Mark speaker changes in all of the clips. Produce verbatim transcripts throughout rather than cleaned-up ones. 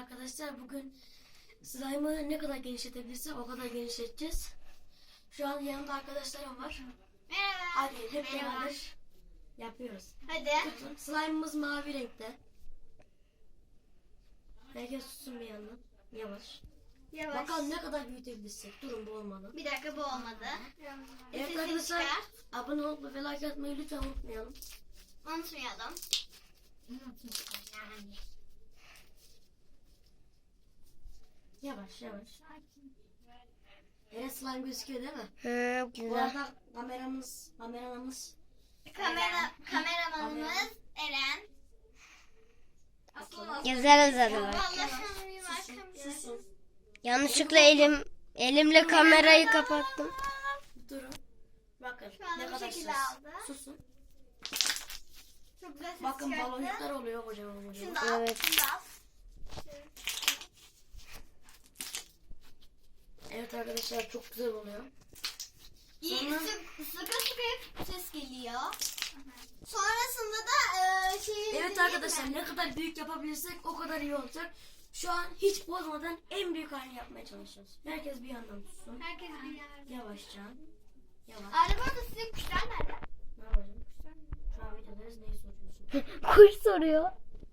Speaker 1: arkadaşlar. Bugün slime'ı ne kadar genişletebilirsek o kadar genişleteceğiz. Şu an yanımda arkadaşlarım var.
Speaker 2: Merhaba.
Speaker 1: Hadi hep
Speaker 2: Merhaba.
Speaker 1: beraber yapıyoruz.
Speaker 2: Hadi.
Speaker 1: Tutun. Slime'ımız mavi renkte. Herkes tutsun bir yandan. Yavaş.
Speaker 2: Yavaş.
Speaker 1: Bakalım ne kadar büyütebilirsek. Durun, bu olmadı.
Speaker 2: Bir dakika, bu olmadı.
Speaker 1: Evet
Speaker 2: Sesini
Speaker 1: arkadaşlar,
Speaker 2: çıkar.
Speaker 1: abone olup ve like atmayı lütfen unutmayalım.
Speaker 2: Unutmayalım.
Speaker 1: Yavaş yavaş. Evet, slime gözüküyor değil mi?
Speaker 3: Hı,
Speaker 1: Bu
Speaker 3: güzel.
Speaker 1: arada kameramız, kameramız
Speaker 2: Kamera, kameramanımız Eren.
Speaker 3: Güzel uzadı bak.
Speaker 2: Vallahi sanırım arkamda.
Speaker 1: susun.
Speaker 3: Yanlışlıkla elim elimle kamerayı kapattım.
Speaker 1: Durun. Bakın
Speaker 2: Şu anda
Speaker 1: ne
Speaker 2: bu
Speaker 1: kadar
Speaker 2: şekilde
Speaker 1: ses.
Speaker 2: aldı.
Speaker 1: Susun.
Speaker 2: Çok güzel ses
Speaker 1: Bakın
Speaker 2: çıkarttı.
Speaker 1: baloncuklar oluyor kocaman kocaman.
Speaker 2: Şunu da al.
Speaker 3: Evet.
Speaker 2: Şunu da al.
Speaker 1: Evet arkadaşlar, çok güzel oluyor.
Speaker 2: İyi,
Speaker 1: Sonra-
Speaker 2: sık- Sıkı sıkı ses geliyor. Sonrasında da e, şey.
Speaker 1: Evet arkadaşlar, ne kadar büyük yapabilirsek o kadar iyi olacak. Şu an hiç bozmadan en büyük halini yapmaya çalışıyoruz. Herkes bir yandan tutsun.
Speaker 2: Herkes bir yer.
Speaker 1: Yavaşça. Yavaş.
Speaker 2: Arabada sizin kuşlar nerede?
Speaker 1: Ne yapacağım? Şu an videodayız, neyi soruyorsun?
Speaker 3: Kuş soruyor.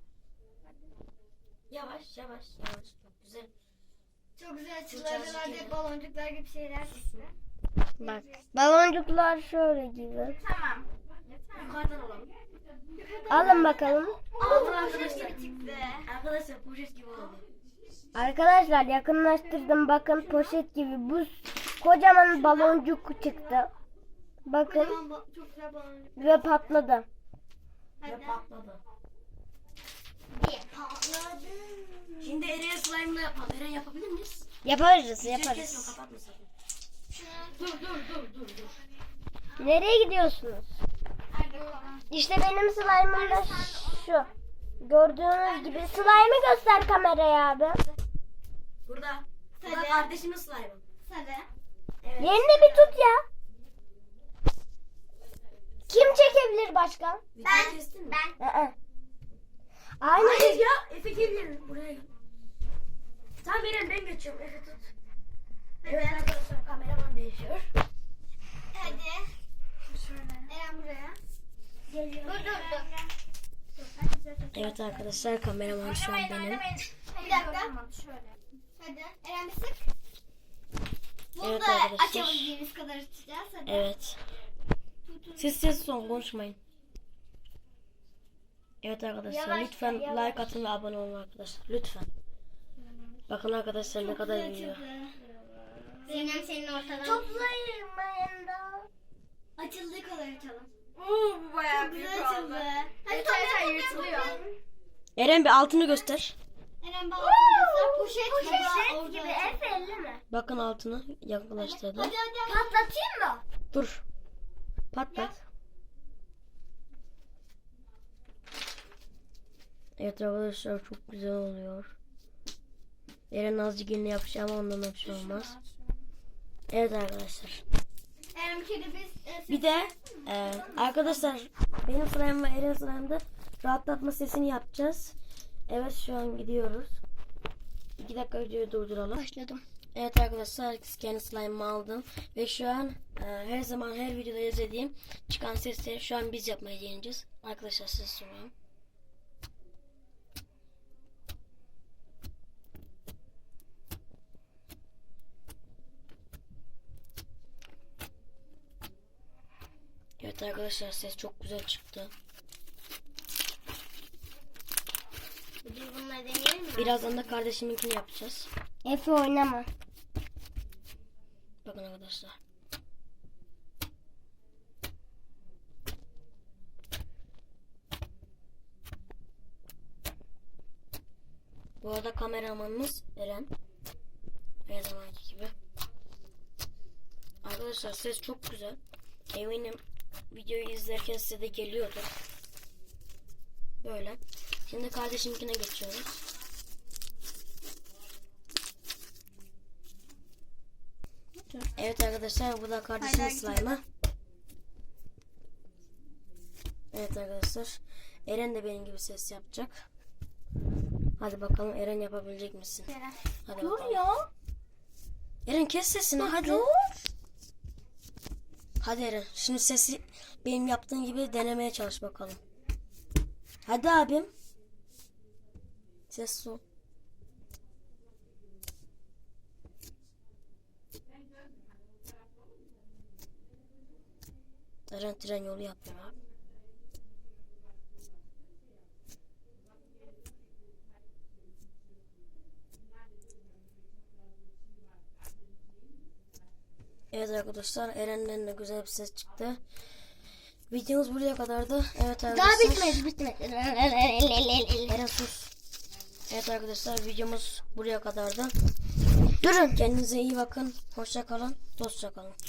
Speaker 1: Yavaş yavaş yavaş. Çok güzel.
Speaker 2: Çok güzel
Speaker 1: Fırçacık
Speaker 2: çıtırlar
Speaker 1: gibi.
Speaker 2: de baloncuklar gibi şeyler çıktı.
Speaker 3: Bak. Baloncuklar şöyle gibi.
Speaker 2: Tamam.
Speaker 1: Yukarıdan alalım.
Speaker 3: Alın bakalım.
Speaker 1: Alın
Speaker 2: Poşet
Speaker 1: arkadaşlar.
Speaker 2: gibi çıktı.
Speaker 1: Arkadaşlar poşet gibi oldu.
Speaker 3: Arkadaşlar yakınlaştırdım, bakın poşet gibi. Bu kocaman baloncuk çıktı. Bakın
Speaker 2: Kocaman ba- çok güzel baloncuk.
Speaker 3: ve patladı.
Speaker 1: Ve
Speaker 2: Hadi.
Speaker 1: patladı.
Speaker 2: Bir patladı.
Speaker 1: Şimdi Eren slime'la yapalım. Eren yapabilir miyiz?
Speaker 3: Yaparız,
Speaker 1: Hiç kesme,
Speaker 3: yaparız.
Speaker 1: kapatma sakın.
Speaker 2: Şunu.
Speaker 1: Dur dur dur dur dur.
Speaker 3: Nereye gidiyorsunuz?
Speaker 2: Hadi bakalım.
Speaker 3: İşte benim slime'ım da şu. Gördüğünüz gibi. Slime'ı göster kameraya abi.
Speaker 1: Burada. Burada
Speaker 2: Hadi.
Speaker 1: kardeşimin slime'ı.
Speaker 2: Hadi.
Speaker 1: Evet.
Speaker 3: Yerini bir tut ya. Kim çekebilir başka?
Speaker 1: Videoyu kestin mi?
Speaker 2: Ben.
Speaker 3: Aa. Aynı
Speaker 1: Hayır ya. Efe gel. Buraya gel. Tamam Eren, ben geçiyorum. Efe tut. Evet arkadaşlar, kameraman değişiyor.
Speaker 2: Hadi. Eren buraya.
Speaker 1: Geliyor.
Speaker 2: Dur dur dur.
Speaker 1: Evet arkadaşlar, kameraman şu an benim.
Speaker 2: Bir dakika. Hadi. Eren bir sık. Bunu
Speaker 1: Evet
Speaker 2: da
Speaker 1: arkadaşlar.
Speaker 2: açabildiğimiz kadar açacağız. Hadi.
Speaker 1: Evet. Siz ses son konuşmayın. Evet arkadaşlar,
Speaker 2: Yavaş,
Speaker 1: lütfen
Speaker 2: yavaş.
Speaker 1: like atın ve abone olun arkadaşlar. Lütfen. Bakın arkadaşlar ne kadar büyüyor.
Speaker 2: Zeynep senin ortadan. Toplayayım ben de. Açıldığı kadar açalım. Oo, bu bayağı Çok güzel açıldı. Hadi toplayalım, yırtılıyor.
Speaker 1: Eren bir altını göster.
Speaker 2: Eren bağlantı poşet,
Speaker 3: poşet gibi Efe'li mi?
Speaker 1: Bakın altını yaklaştırdı.
Speaker 2: Hadi hadi.
Speaker 3: Patlatayım mı?
Speaker 1: Dur. Patlat. Evet arkadaşlar, çok güzel oluyor. Eren azıcık yine yapacağım ama ondan bir şey olmaz. Evet arkadaşlar.
Speaker 2: Eren bir kere biz e,
Speaker 1: Bir de e, arkadaşlar, benim slime'ım ve Eren slime'da rahatlatma sesini yapacağız. Evet, şu an gidiyoruz. İki dakika videoyu durduralım.
Speaker 3: Başladım.
Speaker 1: Evet arkadaşlar, kendi slime'ımı aldım. Ve şu an e, her zaman her videoda izlediğim çıkan sesleri şu an biz yapmaya deneyeceğiz. Arkadaşlar size soruyorum. Evet arkadaşlar, ses çok güzel çıktı.
Speaker 2: biz bunları deneyelim mi?
Speaker 1: Birazdan da kardeşiminkini yapacağız.
Speaker 3: Efe oynama.
Speaker 1: Bakın arkadaşlar. Bu arada kameramanımız Eren. Her zamanki gibi. Arkadaşlar ses çok güzel. Eminim videoyu izlerken size de geliyordur. Böyle. Şimdi kardeşimkine geçiyoruz. Evet arkadaşlar, bu da kardeşimin slime'ı. Evet arkadaşlar, Eren de benim gibi ses yapacak. Hadi bakalım Eren yapabilecek misin? Hadi
Speaker 3: Dur
Speaker 1: bakalım.
Speaker 3: ya.
Speaker 1: Eren kes sesini hadi.
Speaker 3: Dur.
Speaker 1: Hadi Eren. Şimdi sesi benim yaptığım gibi denemeye çalış bakalım. Hadi abim. Ses ol. Eren tren yolu yapıyor abi. Evet arkadaşlar, Eren'den de güzel bir ses çıktı. Videomuz buraya kadardı. Evet arkadaşlar.
Speaker 3: Daha bitmedi bitmedi.
Speaker 1: Eren sus. Evet arkadaşlar, videomuz buraya kadardı.
Speaker 3: Durun.
Speaker 1: Kendinize iyi bakın. Hoşça kalın. Dostça kalın.